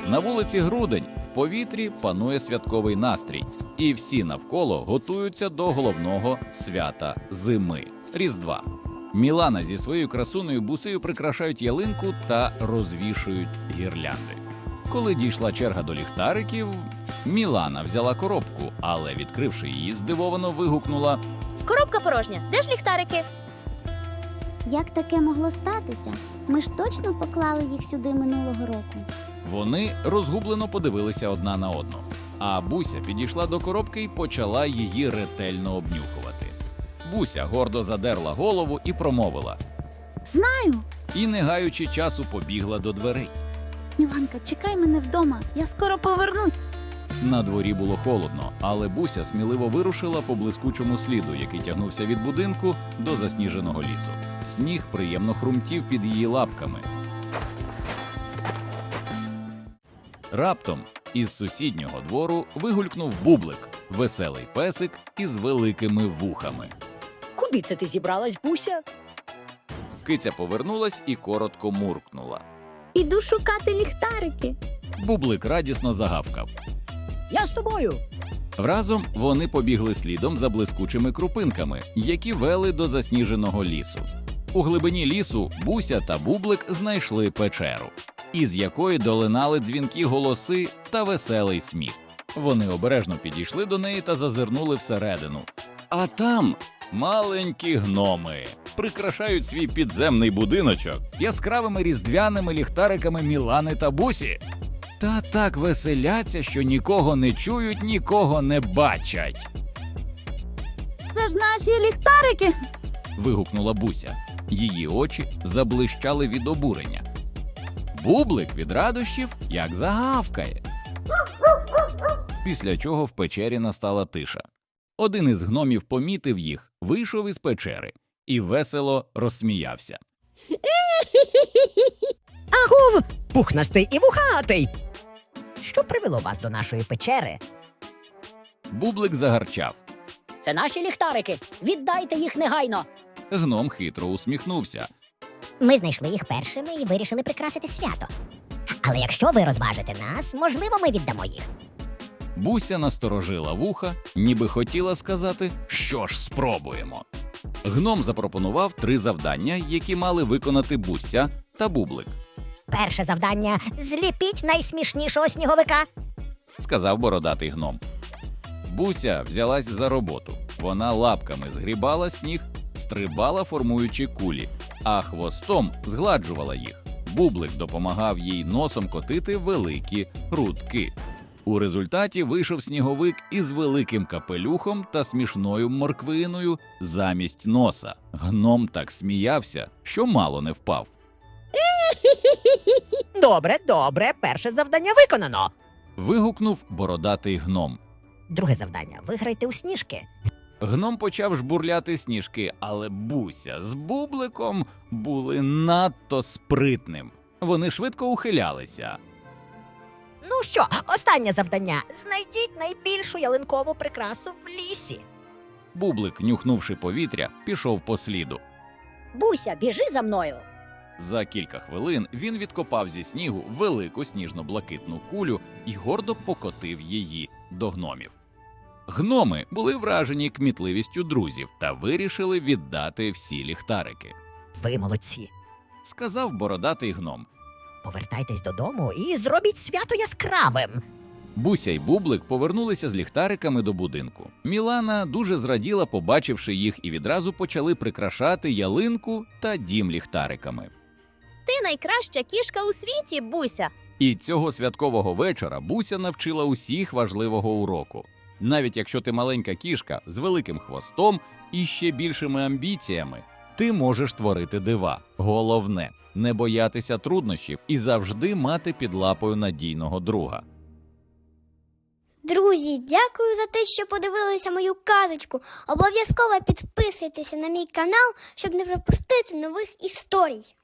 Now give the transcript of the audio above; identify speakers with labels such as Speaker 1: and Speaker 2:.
Speaker 1: На вулиці грудень, в повітрі панує святковий настрій. І всі навколо готуються до головного свята зими – Різдва. Мілана зі своєю красунею Бусею прикрашають ялинку та розвішують гірлянди. Коли дійшла черга до ліхтариків, Мілана взяла коробку, але, відкривши її, здивовано вигукнула:
Speaker 2: Коробка порожня. Де ж ліхтарики?
Speaker 3: Як таке могло статися? Ми ж точно поклали їх сюди минулого року.
Speaker 1: Вони розгублено подивилися одна на одну. А Буся підійшла до коробки і почала її ретельно обнюхувати. Буся гордо задерла голову і промовила.
Speaker 3: Знаю!
Speaker 1: І, не гаючи часу, побігла до дверей.
Speaker 3: Міланка, чекай мене вдома, я скоро повернусь.
Speaker 1: На дворі було холодно, але Буся сміливо вирушила по блискучому сліду, який тягнувся від будинку до засніженого лісу. Сніг приємно хрумтів під її лапками. Раптом із сусіднього двору вигулькнув Бублик – веселий песик із великими вухами.
Speaker 4: Куди це ти зібралась, Буся?
Speaker 1: Киця повернулась і коротко муркнула.
Speaker 3: Іду шукати ліхтарики.
Speaker 1: Бублик радісно загавкав.
Speaker 4: Я з тобою.
Speaker 1: Разом вони побігли слідом за блискучими крупинками, які вели до засніженого лісу. У глибині лісу Буся та Бублик знайшли печеру, із якої долинали дзвінкі голоси та веселий сміх. Вони обережно підійшли до неї та зазирнули всередину. А там маленькі гноми прикрашають свій підземний будиночок яскравими різдвяними ліхтариками Мілани та Бусі. Та так веселяться, що нікого не чують, нікого не бачать.
Speaker 3: Це ж наші ліхтарики.
Speaker 1: Вигукнула Буся. Її очі заблищали від обурення. Бублик від радощів як загавкає. Після чого в печері настала тиша. Один із гномів помітив їх, вийшов із печери і весело розсміявся.
Speaker 4: Агов, пухнастий і вухатий! Що привело вас до нашої печери?
Speaker 1: Бублик загарчав.
Speaker 4: Це наші ліхтарики. Віддайте їх негайно.
Speaker 1: Гном хитро усміхнувся.
Speaker 5: Ми знайшли їх першими і вирішили прикрасити свято. Але якщо ви розважите нас, можливо, ми віддамо їх.
Speaker 1: Буся насторожила вуха, ніби хотіла сказати, що ж спробуємо. Гном запропонував 3 завдання, які мали виконати Буся та Бублик.
Speaker 5: Перше завдання – зліпіть найсмішнішого сніговика.
Speaker 1: Сказав бородатий гном. Буся взялась за роботу. Вона лапками згрібала сніг, стрибала, формуючи кулі, а хвостом згладжувала їх. Бублик допомагав їй носом котити великі грудки. У результаті вийшов сніговик із великим капелюхом та смішною морквиною замість носа. Гном так сміявся, що мало не впав.
Speaker 4: Добре, перше завдання виконано.
Speaker 1: Вигукнув бородатий гном.
Speaker 5: Друге завдання – виграйте у сніжки.
Speaker 1: Гном почав жбурляти сніжки, але Буся з Бубликом були надто спритним. Вони швидко ухилялися.
Speaker 4: Ну що, останнє завдання. Знайдіть найбільшу ялинкову прикрасу в лісі.
Speaker 1: Бублик, нюхнувши повітря, пішов по сліду.
Speaker 4: Буся, біжи за мною.
Speaker 1: За кілька хвилин він відкопав зі снігу велику сніжно-блакитну кулю і гордо покотив її до гномів. Гноми були вражені кмітливістю друзів та вирішили віддати всі ліхтарики.
Speaker 4: Ви молодці.
Speaker 1: Сказав бородатий гном.
Speaker 4: Повертайтесь додому і зробіть свято яскравим.
Speaker 1: Буся й Бублик повернулися з ліхтариками до будинку. Мілана дуже зраділа, побачивши їх, і відразу почали прикрашати ялинку та дім ліхтариками.
Speaker 2: Ти найкраща кішка у світі, Буся.
Speaker 1: І цього святкового вечора Буся навчила усіх важливого уроку. Навіть якщо ти маленька кішка з великим хвостом і ще більшими амбіціями, ти можеш творити дива. Головне – не боятися труднощів і завжди мати під лапою надійного друга.
Speaker 6: Друзі, дякую за те, що подивилися мою казочку. Обов'язково підписуйтеся на мій канал, щоб не пропустити нових історій.